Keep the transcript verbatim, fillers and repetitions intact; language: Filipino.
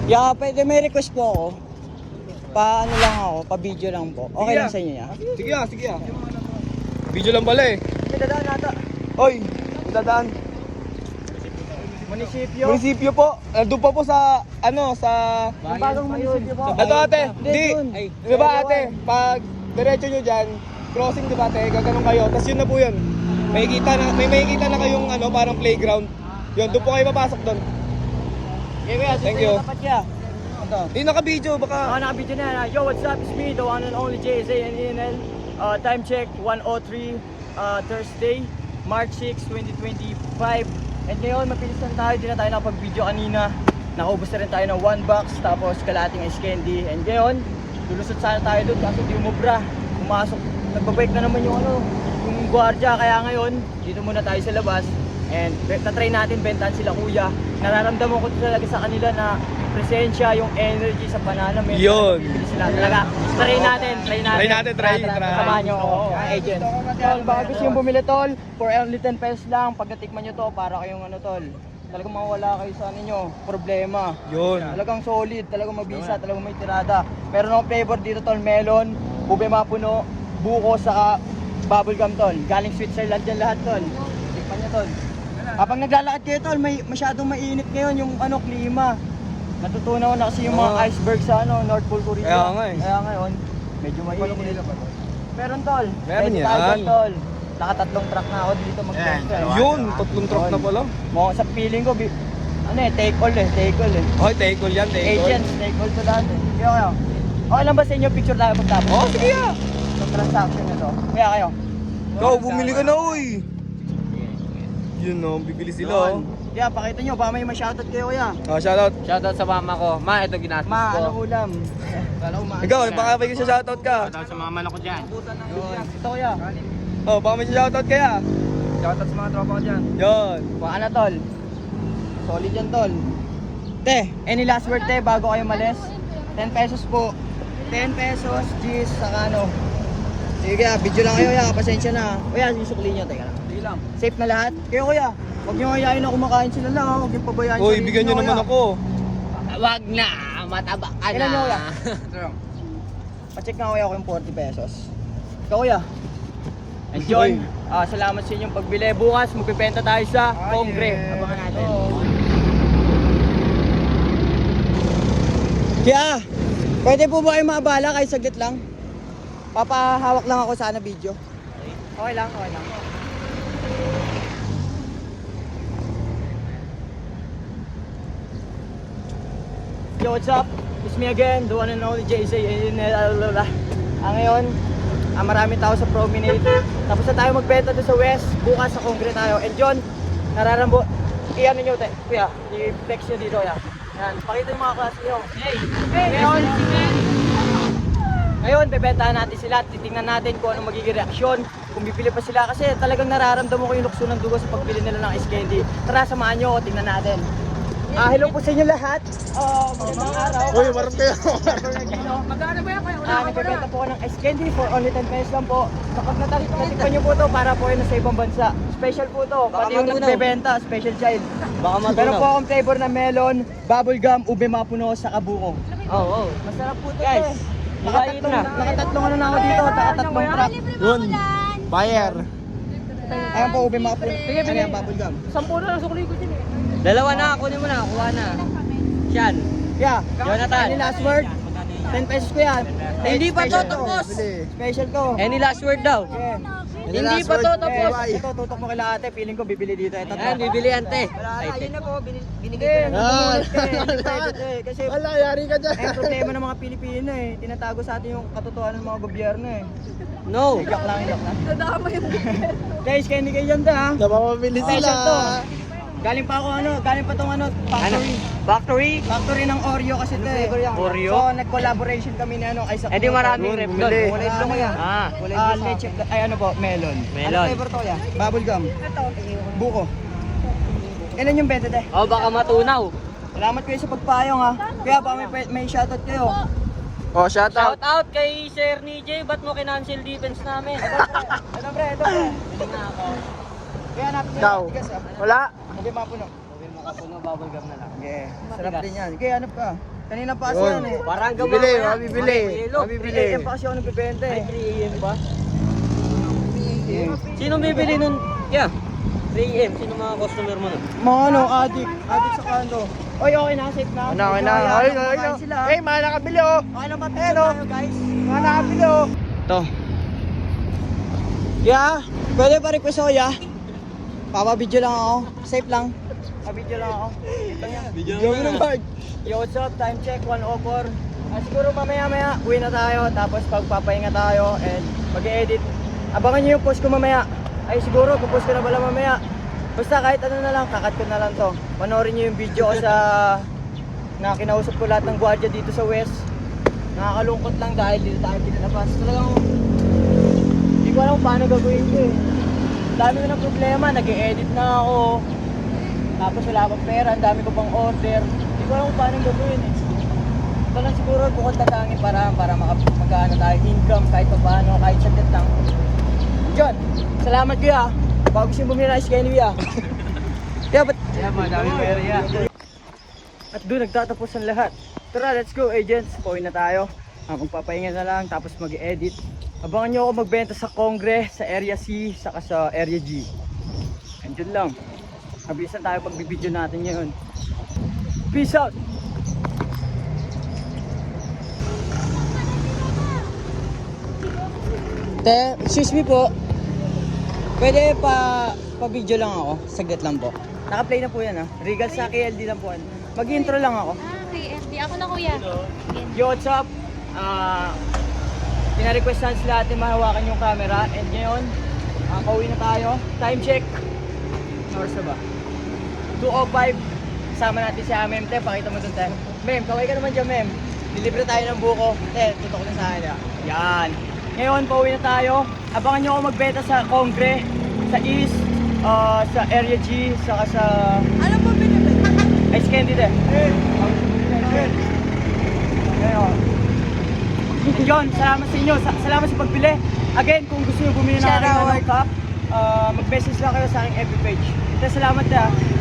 Yeah, pwede may request po ako. Pa ano lang ako, pa video lang po. Okay Sige lang ah. sa inyo ya? Sige ah, sige ah. Video lang pala eh. May dadaan nata. Oy, dadaan. Munisipyo. Munisipyo po. Nandun pa po sa, ano, sa... Ang bagong munisipyo po. Ito ate, Hindi, di. dun. Di ba ate, pag diretso nyo dyan, crossing di ba ate, gaganong kayo. Tapos yun na po yun. May kita na, may makikita na kayong ano, parang playground. Yun, doon po kayo papasok doon. Okay, kuya, Thank you. Dapat ya. Ito. Di naka-video, baka... Ah, nakabidyo na yan. Yo, what's up? It's me, the one and only J S A and E N L. Uh, time check, one oh three, uh, Thursday, March sixth, twenty twenty-five. And ngayon, mabilis lang tayo. Di na tayo nakapag-video kanina. Nakaubos na rin tayo ng one box, tapos kalating ice candy. And ngayon, lulusot sana tayo doon kasi di umubra. Pumasok, nagbabike na naman yung ano, yung gwardiya. Kaya ngayon, dito muna tayo sa labas. And tatry natin, bentahan sila kuya. Nararamdaman ko talaga sa kanila na presensya, yung energy sa banana. May Yun. bibili sila talaga. Try natin, try natin. Try natin, try, Tara, tara, try. Samahan nyo ako, ang agent. Tol, baka gusto yung bumili tol, for only ten pesos lang. Pag natikman nyo to, para kayong ano tol. Talagang mawala kayo sa ano nyo, problema. Yun. Talagang solid, talagang mabisa, talagang may tirada. Meron akong flavor dito tol, melon, ube mapuno, buko, saka bubblegum tol. Galing Switzerland yan lahat tol. Tikman nyo tol. Kapag naglalakad kayo tol, may masyadong mainit ngayon yung ano, klima. Natutunaw na kasi yung mga Oo. iceberg sa ano, North Pole Korea. Kaya nga eh. Kaya ngayon, medyo mainit. Meron tol. Meron Pwede yan. tayo dyan, tol. Nakatatlong truck na ako dito mag-test. Yun, tatlong truck na pala. Mo sa feeling ko, bi- ano eh, take all eh, take all eh. Okay, take all yan, take all. Agents, take all to lahat eh. Kaya kayo. Okay lang ba sa inyo picture tayo pagtapos? Oh, sige ah. Yung transaction nito. Kaya kayo. Ikaw, bumili ka na, uy. Yun no, bibili sila oh. Kaya pakita nyo, baka may ma-shoutout kayo kuya. Ah, shoutout. Shoutout sa mama ko. Ma, ito ginastos Ma, ko. ano ulam? Kala ko ma. Ikaw, baka may sa shoutout ka. Shoutout sa mga manok ko dyan. Yun. Ito kuya. Oh, baka may shoutout kaya. Shoutout sa mga tropa ko dyan. Yun. Baka na tol. Solid yan tol. Te, any last word te bago kayo malis? ten pesos po. ten pesos, G's, saka ano. Sige kuya, video lang kayo ya, pasensya na. Kuya, susukli nyo, teka lang. Sige lang. Safe na lahat? Kaya kuya, huwag nyo kayain na kumakain sila lang ha, huwag nyo pabayaan. Uy, bigyan nyo naman ako. Wag na, mataba ka na. Ilan nyo kuya? Pacheck nga kuya ako yung forty pesos. Ikaw kuya. And John, ah, salamat sa inyong pagbili. Bukas, magpipenta tayo sa Kongre. Abangan natin. Kaya, pwede po ba kayo maabala kahit saglit lang? Papahawak lang ako sana video. Okay lang, okay lang. Yo, what's up? It's me again, the one and only J C. Ah, ngayon, ah, marami tao sa promenade. Tapos na tayo magbenta doon sa West. Bukas sa Kongre tayo. And John, nararambo. Iyan ninyo, te. Kuya, i-flex nyo dito, ya. Yan, pakita yung mga klase nyo. Hey! Ngayon, ngayon, bebentahan natin sila at titingnan natin kung anong magiging reaksyon. Kung bibili pa sila kasi talagang nararamdaman ko yung lukso ng dugo sa pagbili nila ng ice candy. Tara, samahan nyo ako, tingnan natin. Ah, hello po sa inyo lahat. Ah, magandang araw. Uy, marap kayo. Magkano ba yan kayo? Ah, nagbebenta po ako ng ice candy for only ten pesos lang po. Kapag natik- natikpan nyo po to para po yun sa ibang bansa. Special po to. Pati yung matunaw. nagbebenta, special child. Baka matunaw. Meron po akong flavor na melon, bubblegum, ube mapuno, sa kabuko. Oo, oh, oh. Masarap po to, Guys, eh. ibayin Nakatatlong, na. nakatatlong ano na ako dito, nakatatlong truck. Yun. Buyer. Ayan po, ube mapuno. Ano yan, bubblegum? Dalawa na, kunin mo na, kuha na. Siyan. Yeah. Jonathan. Any last word? ten pesos ko yan. Hindi pa to Special tapos. Special to. Any last word daw? Yeah. Hindi pa to tapos. Eh, ito, tutok mo kila ate. Feeling ko bibili dito. Ito, Ayan, bibili ante. Ayun na po, binigay ko na. Kasi Wala, yari ka dyan. eh, problema ng mga Pilipino eh. Tinatago sa atin yung katotohanan ng mga gobyerno eh. No. Joke lang, joke lang. Guys, kaya hindi kayo dyan ta ha. Napapabili Special to. Galing pa ako ano, galing pa tong ano, Ano? factory. Factory? Factory ng Oreo kasi ito eh. Oreo? So, nag-collaboration kami ni ano, Isaac. Eh di maraming Yun, rep bumili. doon. Kulay blue ko yan. Ah. Ah, leche, ay ano po, melon. Melon. Ano flavor to ya? Bubblegum. Buko. Ilan yung benta te? Oh, baka matunaw. Salamat kayo sa pagpayong ha. Kaya baka may, may shoutout kayo. Oh, shout out. Shout out kay Sir Nijay, ba't mo kinancel defense namin? Ito pre, ito pre. Kaya hanapin nyo Ikaw. yung tigas ha. Wala. Hindi mapuno. Makapuno, bubble gum na lang. Yeah, sarap din yan. Kaya hanap ka. Kanina pa kasi Yun. yan eh. Parang gawa Bibili, ko yan. mabibili. Makikilo. Mabibili. three A M pa kasi ako nagbibenta Ay, eh. three A M ba? Sino bibili nun? Yeah. three A M. Sino mga customer mo nun? Mga ano, addict. Addict sa kando. Oy, okay na, safe na. Ano, ano, Kaya, ay, kumakain ay, sila. ay, mga nakabili oh. Okay lang ba? Eh, Picture no? tayo guys. Mga nakabili oh. Ito. Yeah, pwede pa request ako, yeah. Papabidyo lang ako. Safe lang. Papabidyo lang ako. Ito yan. Yung mo naman. Yo, what's up? Time check, one oh four. Ah, siguro mamaya-maya, uwi na tayo. Tapos pagpapahinga tayo and mag-edit. Abangan nyo yung post ko mamaya. Ay, siguro, pupost ko na pala mamaya. Basta kahit ano na lang, kakat ko na lang to. Panoorin nyo yung video ko sa... na kinausap ko lahat ng gwardiya dito sa West. Nakakalungkot lang dahil dito tayo pinalabas. Talagang... Hindi ko alam kung paano gagawin ko eh. Dami ko ng problema, nag-e-edit na ako. Tapos wala pang pera, ang dami ko pang order. Hindi ko alam kung paano gagawin eh. Ito lang siguro bukod tatangin para para maka- magkaano tayo income kahit pa paano, kahit saglit lang. John, salamat kuya. Bago gusto yung bumili ng ice candy ah. Kaya ba't? Yeah, madami pera yan. At doon nagtatapos ang lahat. Tara, let's go agents. Pauwi na tayo. Ah, magpapahinga na lang tapos mag-edit. Abangan nyo ako magbenta sa Kongre, sa Area C, saka sa Area G. Andyan lang. Mabilisan tayo pag bibidyo natin ngayon. Peace out! Te, excuse me po. Pwede pa pa-video lang ako. Saglit lang po. Naka-play na po yan ha. Regal sa K L D lang po. Mag-intro lang ako. Ah, K F D. Ako na kuya. Yo, what's up? Ah, pina-requestan sila natin mahawakan yung camera. And ngayon, uh, pauwi na tayo. Time check. Ano oras na ba? two oh five. Kasama natin si Mem. Te, pakita mo dun tayo. Mem, kaway ka naman dyan, Mem. Dilibre tayo ng buko. Te, tutok na sa akin. ah. Yan. Ngayon, pauwi na tayo. Abangan nyo ako magbenta sa Kongre, sa East, ah, sa Area G, saka sa... Ano po binibig? Ice candy din. Ngayon. John, salamat sa inyo. Sa- salamat sa pagbili. Again, kung gusto nyo bumili ng Shout aking out. ano, cup, ah, mag-message lang kayo sa aking F B page. Ito, salamat na.